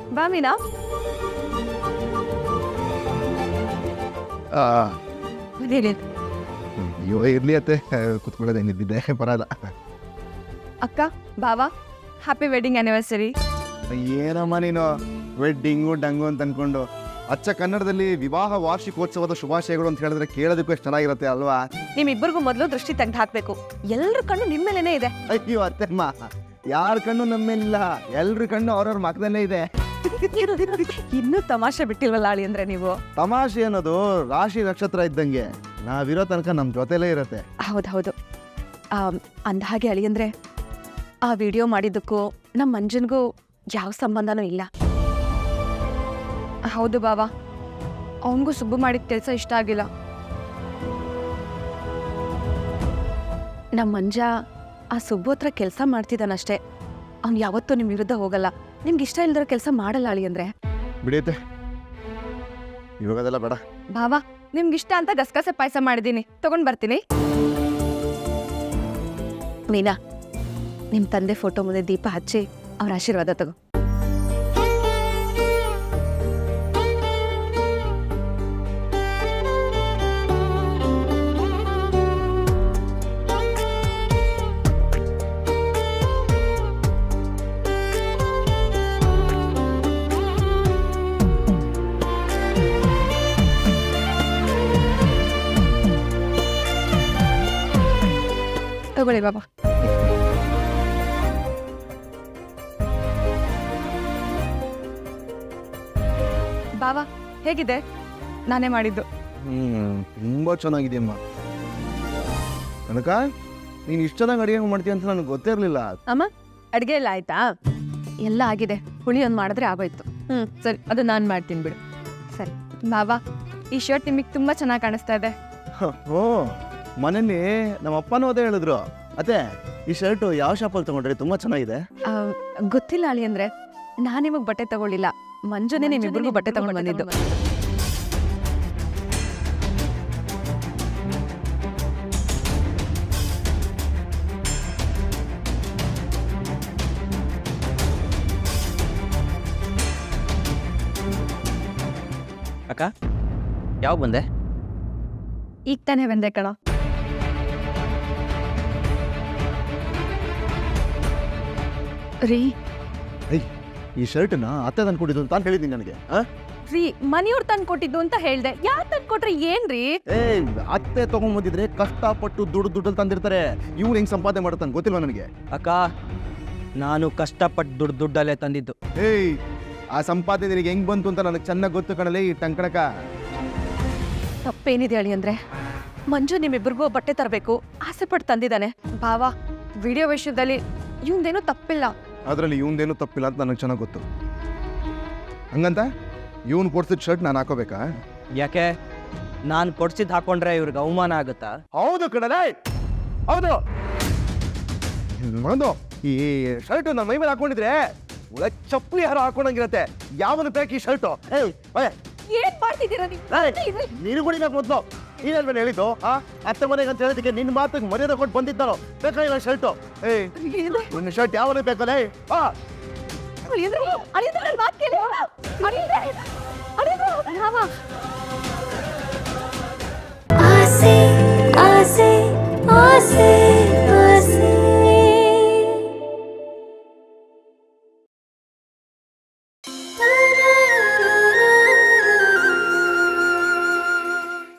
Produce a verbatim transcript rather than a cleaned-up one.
ಬಾ ಮೀನಾ. ಅಯ್ಯೋ ಇರ್ಲಿ ಅತ್ತೆ, ಕುತ್ಕೊಳ್ಳೋದೇನಿದ್ದಿದ್ದೆ ಬರಲ್ಲ. ಅಕ್ಕ ಬಾವಾ ಹ್ಯಾಪಿ ವೆಡ್ಡಿಂಗ್ ಆನಿವರ್ಸರಿ. ಏನಮ್ಮ ನೀನು ವೆಡ್ಡಿಂಗು ಡಂಗು ಅಂತ ಅನ್ಕೊಂಡು ಅಚ್ಚ ಕನ್ನಡದಲ್ಲಿ ವಿವಾಹ ವಾರ್ಷಿಕೋತ್ಸವದ ಶುಭಾಶಯಗಳು ಅಂತ ಹೇಳಿದ್ರೆ ಕೇಳೋದಕ್ಕೂ ಎಷ್ಟು ಚೆನ್ನಾಗಿರುತ್ತೆ ಅಲ್ವಾ? ನಿಮ್ಮಿಬ್ಬರಿಗೂ ಮೊದಲು ದೃಷ್ಟಿ ತೆಗೆದು ಹಾಕ್ಬೇಕು. ಎಲ್ಲರ ಕಣ್ಣು ನಿಮ್ಮ ಮೇಲೇನೆ ಇದೆ. ಅಯ್ಯೋ ಅತ್ತೆಮ್ಮ, ಯಾರ ಕಣ್ಣು ನಮ್ಮೇಲಿಲ್ಲ, ಎಲ್ರ ಕಣ್ಣು ಅವ್ರವ್ರ ಮಕ್ಕದಲ್ಲೇ ಇದೆ. ಇನ್ನೂ ತಮಾಷೆ ಬಿಟ್ಟಿಲ್ವಲ್ಲ ಅಳಿ ಅಂದ್ರೆ ನೀವು. ತಮಾಷೆ ಅನ್ನೋದು ರಾಶಿ ನಕ್ಷತ್ರ ಇದ್ದಂಗೆ, ನಾವಿರೋ ತನಕ ನಮ್ಮ ಜೊತೆಲೇ ಇರತ್ತೆ. ಹೌದೌದು. ಅಂದ ಹಾಗೆ ಅಳಿ ಅಂದ್ರೆ ಆ ವಿಡಿಯೋ ಮಾಡಿದ್ದಕ್ಕೂ ನಮ್ಮ ಮಂಜನ್ಗೂ ಯಾವ ಸಂಬಂಧನೂ ಇಲ್ಲ. ಹೌದು ಬಾವಾ, ಅವನಿಗೂ ಸುಬ್ಬು ಮಾಡಿದ ಕೆಲಸ ಇಷ್ಟ ಆಗಿಲ್ಲ. ನಮ್ಮ ಮಂಜ ಆ ಸುಬ್ಬು ಹತ್ರ ಕೆಲಸ ಮಾಡ್ತಿದ್ದಾನಷ್ಟೇ. ಅವ್ನು ಯಾವತ್ತೂ ನಿಮ್ಮ ವಿರುದ್ಧ ಹೋಗಲ್ಲ. ನಿಮ್ಗೆ ಇಷ್ಟ ಇಲ್ದಿರೋ ಕೆಲಸ ಮಾಡಲ್ಲ ಅಳಿ ಅಂದ್ರೆ. ಬಿಡಿಯುತ್ತೆ, ಇವಾಗದೆಲ್ಲ ಬೇಡ. ಬಾವಾ, ನಿಮ್ಗಿಷ್ಟ ಅಂತ ಗಸಗಸೆ ಪಾಯಸ ಮಾಡಿದ್ದೀನಿ, ತಗೊಂಡ್ ಬರ್ತೀನಿ. ಮೀನಾ, ನಿಮ್ಮ ತಂದೆ ಫೋಟೋ ಮುಂದೆ ದೀಪ ಹಚ್ಚಿ ಅವ್ರ ಆಶೀರ್ವಾದ ತಗೋ. ತಗೊಳ್ಳಿ ಬಾಬಾ. ಬಾವಾ ಹೇಗಿದೆ? ನಾನೇ ಮಾಡಿದ್ದು. ಹ್ಮ್ ತುಂಬಾ ಚೆನ್ನಾಗಿದೆಯಮ್ಮ. ಕನಕ, ನೀನು ಇಷ್ಟು ಚೆನ್ನಾಗಿ ಅಡುಗೆ ಮಾಡ್ತೀಯ ಅಂತ ನನಗೆ ಗೊತ್ತೇ ಇರಲಿಲ್ಲ. ಅಮ್ಮ, ಅಡುಗೆ ಎಲ್ಲ ಆಯ್ತಾ? ಎಲ್ಲ ಆಗಿದೆ. ಹುಳಿ ಒಂದು ಮಾಡಿದ್ರೆ ಆಗೋಯ್ತು. ಹ್ಞೂ ಸರಿ, ಅದು ನಾನು ಮಾಡ್ತೀನಿ ಬಿಡು. ಸರಿ ಬಾವಾ, ಈ ಶರ್ಟ್ ನಿಮಗೆ ತುಂಬ ಚೆನ್ನಾಗಿ ಕಾಣಿಸ್ತಾ ಇದೆ. ಓ, ಮನೇಲಿ ನಮ್ಮ ಅಪ್ಪನೂ ಅದೇ ಹೇಳಿದ್ರು. ಅತ್ತೆ, ಈ ಶರ್ಟು ಯಾವ ಶಾಪಲ್ಲಿ ತಗೊಂಡ್ರಿ? ತುಂಬಾ ಚೆನ್ನಾಗಿದೆ. ಗೊತ್ತಿಲ್ಲ ಅಳಿ ಅಂದ್ರೆ, ನಾನು ನಿಮಗೆ ಬಟ್ಟೆ ತಗೊಳ್ಳಿಲ್ಲ, ಮಂಜುನೇ ನಿಮ್ಮಿಬ್ಬರಿಗೂ ಬಟ್ಟೆ ತಗೊಂಡು ಬಂದಿದ್ದು. ಅಕ್ಕ, ಯಾವ ಬಂದೆ? ಈಗ ತಾನೇ ಬಂದೆ ಕಣ. ರೀ, ಈ ಶರ್ಟ್ನ ಅತ್ತೆ ತಂದ್ಕೊಟ್ಟಿದ್ದು ಅಂತ ಹೇಳಿದ್ದೀನಿ ನನಗೆ. ರೀ, ಮನೆಯವ್ರು ತಂದು ಕೊಟ್ಟಿದ್ದು ಅಂತ ಹೇಳ್ದೆ. ಯಾರು ತಂದು ಕೊಟ್ರೆ ಏನ್ರಿ? ಏ, ಅತ್ತೆ ತಗೊಂಡ್ಬಂದಿದ್ರೆ ಕಷ್ಟಪಟ್ಟು ದುಡ್ಡು ದುಡ್ಡಲ್ಲಿ ತಂದಿರ್ತಾರೆ. ಇವ್ರು ಹೆಂಗ್ ಸಂಪಾದನೆ ಮಾಡುತ್ತಾನೆ ಗೊತ್ತಿಲ್ವಾ ನನಗೆ? ಅಕ್ಕ, ನಾನು ಕಷ್ಟಪಟ್ಟು ದುಡ್ಡು ದುಡ್ಡಲ್ಲೇ ತಂದಿದ್ದು. ಏಯ್, ಆ ಸಂಪಾದನೆ ನಿನಗೆ ಹೆಂಗ್ ಬಂತು ಅಂತ ನನಗೆ ಚೆನ್ನಾಗಿ ಗೊತ್ತು ಕಣಲೇ ಈ ಟಂಕಣಕ. ತಪ್ಪೇನಿದೆ ಅಳಿ ಅಂದ್ರೆ, ಮಂಜು ನಿಮ್ಮಿಬ್ಬರಿಗೂ ಬಟ್ಟೆ ತರಬೇಕು ಆಸೆ ಪಟ್ಟು ತಂದಿದ್ದಾನೆ. ಬಾವಾ, ವಿಡಿಯೋ ವಿಷಯದಲ್ಲಿ ಇವಂದೇನೂ ತಪ್ಪಿಲ್ಲ. ಅದರಲ್ಲಿ ಇವಂದೇನು ತಪ್ಪಿಲ್ಲ ಅಂತ ನನಗೆ ಚೆನ್ನಾಗಿ ಗೊತ್ತು. ಹಂಗಂತ ಇವನು ಕೊಡ್ಸಿದ ಶರ್ಟ್ ನಾನು ಹಾಕೋಬೇಕಾ? ಯಾಕೆ? ನಾನು ಕೊಡ್ಸಿದ್ದು ಹಾಕೊಂಡ್ರೆ ಇವ್ರಿಗೆ ಅವಮಾನ ಆಗುತ್ತಾ? ಹೌದು ಕಣಲೇ, ಹೌದು. ಒಂದು ಈ ಶರ್ಟ್ ನನ್ನ ಮೈ ಮೇಲೆ ಹಾಕೊಂಡಿದ್ರೆ ಒಳ್ಳೆ ಚಪ್ಪಲಿ ಯಾರು ಹಾಕೊಂಡಂಗಿರತ್ತೆ. ಯಾವನು ಬೇಕು ಈ ಶರ್ಟು? ಏನ್ ಮಾಡ್ತಿದ್ದೀರಾ ನೀವು? ನೀನು ಕುಡಿಬೇಕು ಮೊದಲು. ನೀನೇನ್ ಮೇಲೆ ಹೇಳಿದ್ದು? ಆ ಅತ್ತೆ ಮನೆಗೆ ಅಂತ ಹೇಳಿದಕ್ಕೆ ನಿನ್ನ ಮಾತಿಗೆ ಮರ್ಯಾದೆ ಕೊಟ್ಟು ಬಂದಿದ್ದಾರೋ? ಬೇಕಾ ಇಲ್ಲ ಶರ್ಟು? ಏಯ್, ನಿನ್ನ ಶರ್ಟ್ ಯಾವನೇ ಬೇಕಲ್ಲೇ? ಆ ಆಸೆ ಆಸೆ ಆಸೆ